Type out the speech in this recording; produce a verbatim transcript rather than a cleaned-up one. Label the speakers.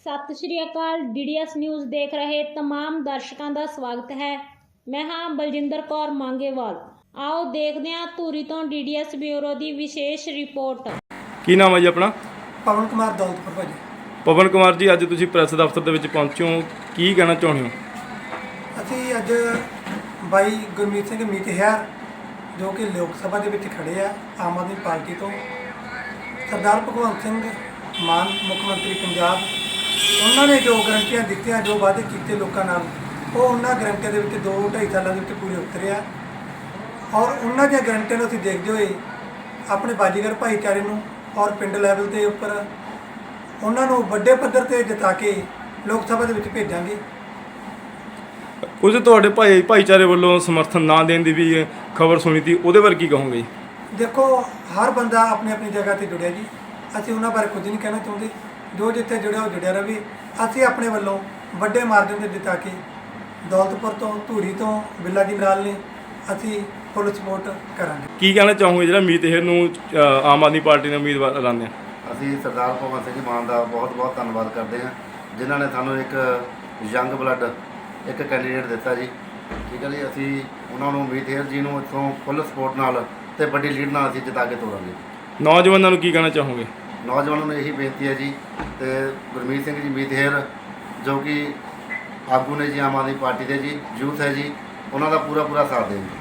Speaker 1: ਸਤਿ ਸ਼੍ਰੀ ਅਕਾਲ। ਡੀ ਡੀ ਐਸ ਨਿਊਜ਼ ਦੇਖ ਰਹੇ तमाम ਦਰਸ਼ਕਾਂ ਦਾ ਸਵਾਗਤ ਹੈ। ਮੈਂ ਹਾਂ ਬਲਜਿੰਦਰ ਕੌਰ ਮੰਗੇਵਾਲ। ਆਓ ਦੇਖਦੇ ਹਾਂ ਧੂਰੀ ਤੋਂ ਡੀ ਡੀ ਐਸ ਬਿਊਰੋ ਦੀ ਵਿਸ਼ੇਸ਼ ਰਿਪੋਰਟ।
Speaker 2: ਕੀ ਨਾਮ ਹੈ ਜੀ ਆਪਣਾ?
Speaker 3: ਪਵਨ ਕੁਮਾਰ ਦੌਲਤਪੁਰ ਭਾਜੀ।
Speaker 2: ਪਵਨ ਕੁਮਾਰ ਜੀ, ਅੱਜ ਤੁਸੀਂ ਪ੍ਰੈਸ ਦਫ਼ਤਰ ਦੇ ਵਿੱਚ ਪਹੁੰਚੇ ਹੋ, ਕੀ ਕਹਿਣਾ ਚਾਹੁੰਦੇ ਹੋ?
Speaker 3: ਅਸੀਂ ਅੱਜ ਬਾਈ ਗੁਰਮੀਤ ਸਿੰਘ ਮੀਤਹਿਰ ਜੋ ਕਿ ਲੋਕ ਸਭਾ ਦੇ ਵਿੱਚ ਖੜੇ ਆ ਆਮ ਆਦਮੀ ਪਾਰਟੀ ਤੋਂ, ਸਰਦਾਰ ਭਗਵੰਤ ਸਿੰਘ ਮਾਨ ਮੁੱਖ ਮੰਤਰੀ ਪੰਜਾਬ, ਉਹਨਾਂ ਨੇ ਜੋ ਗਰੰਟੀਆਂ ਦਿੱਤੀਆਂ, ਜੋ ਵਾਅਦੇ ਕੀਤੇ ਲੋਕਾਂ ਨਾਲ, ਉਹ ਉਹਨਾਂ ਗਰੰਟੀਆਂ ਦੇ ਵਿੱਚ ਦੋ ਢਾਈ ਸਾਲਾਂ ਦੇ ਵਿੱਚ ਪੂਰੇ ਉਤਰੇ ਆ। ਔਰ ਉਹਨਾਂ ਦੀਆਂ ਗਰੰਟੀਆਂ ਨੂੰ ਅਸੀਂ ਦੇਖਦੇ ਹੋਏ ਆਪਣੇ ਬਾਜੀਗਰ ਭਾਈਚਾਰੇ ਨੂੰ ਔਰ ਪਿੰਡ ਲੈਵਲ ਦੇ ਉੱਪਰ ਉਹਨਾਂ ਨੂੰ ਵੱਡੇ ਪੱਧਰ 'ਤੇ ਜਿਤਾ ਕੇ ਲੋਕ ਸਭਾ ਦੇ ਵਿੱਚ ਭੇਜਾਂਗੇ।
Speaker 2: ਕੁਝ ਤੁਹਾਡੇ ਭਾਈ ਭਾਈਚਾਰੇ ਵੱਲੋਂ ਸਮਰਥਨ ਨਾ ਦੇਣ ਦੀ ਵੀ ਖਬਰ ਸੁਣੀ ਸੀ, ਉਹਦੇ ਬਾਰੇ ਕੀ ਕਹੋਗੇ ਜੀ?
Speaker 3: ਦੇਖੋ, ਹਰ ਬੰਦਾ ਆਪਣੀ ਆਪਣੀ ਜਗ੍ਹਾ 'ਤੇ ਜੁੜਿਆ ਜੀ, ਅਸੀਂ ਉਹਨਾਂ ਬਾਰੇ ਕੁਝ ਨਹੀਂ ਕਹਿਣਾ ਚਾਹੁੰਦੇ। ਜੋ ਜਿੱਥੇ ਜੁੜਿਆ ਉਹ ਜੁੜਿਆ ਰਹੇ। ਅਸੀਂ ਆਪਣੇ ਵੱਲੋਂ ਵੱਡੇ ਮਾਰਜਨ 'ਤੇ ਜਿਤਾ ਕੇ ਦੌਲਤਪੁਰ ਤੋਂ, ਧੂਰੀ ਤੋਂ, ਬਿੱਲਾ ਜੀ ਮਰਾਲ ਨੇ ਅਸੀਂ ਫੁੱਲ ਸਪੋਰਟ ਕਰਾਂਗੇ।
Speaker 2: ਕੀ ਕਹਿਣਾ ਚਾਹੋਗੇ ਜਿਹੜਾ ਮੀਤਹਿਰ ਨੂੰ ਅ, ਆਮ ਆਦਮੀ ਪਾਰਟੀ ਨੇ ਉਮੀਦਵਾਰ ਐਲਾਨਿਆ?
Speaker 4: ਅਸੀਂ ਸਰਦਾਰ ਭਗਵੰਤ ਸਿੰਘ ਮਾਨ ਦਾ ਬਹੁਤ ਬਹੁਤ ਧੰਨਵਾਦ ਕਰਦੇ ਹਾਂ, ਜਿਨ੍ਹਾਂ ਨੇ ਸਾਨੂੰ ਇੱਕ ਯੰਗ ਬਲੱਡ ਇੱਕ ਕੈਂਡੀਡੇਟ ਦਿੱਤਾ ਜੀ। ਠੀਕ ਹੈ ਜੀ, ਅਸੀਂ ਉਹਨਾਂ ਨੂੰ ਮੀਤਹਿਰ ਜੀ ਨੂੰ ਇੱਥੋਂ ਫੁੱਲ ਸਪੋਰਟ ਨਾਲ ਅਤੇ ਵੱਡੀ ਲੀਡ ਨਾਲ ਅਸੀਂ ਜਿਤਾ ਕੇ ਤੋਰਾਂਗੇ।
Speaker 2: ਨੌਜਵਾਨਾਂ ਨੂੰ ਕੀ ਕਹਿਣਾ ਚਾਹੋਗੇ?
Speaker 4: ਨੌਜਵਾਨਾਂ ਨੂੰ ਇਹੀ ਬੇਨਤੀ ਹੈ ਜੀ, ਅਤੇ ਗੁਰਮੀਤ ਸਿੰਘ ਜੀ ਮੀਤਹਿਰ ਜੋ ਕਿ ਆਗੂ ਨੇ ਜੀ ਆਮ ਆਦਮੀ ਪਾਰਟੀ ਦੇ ਜੀ, ਯੂਥ ਹੈ ਜੀ, ਉਹਨਾਂ ਦਾ ਪੂਰਾ ਪੂਰਾ ਸਾਥ ਦੇਣ।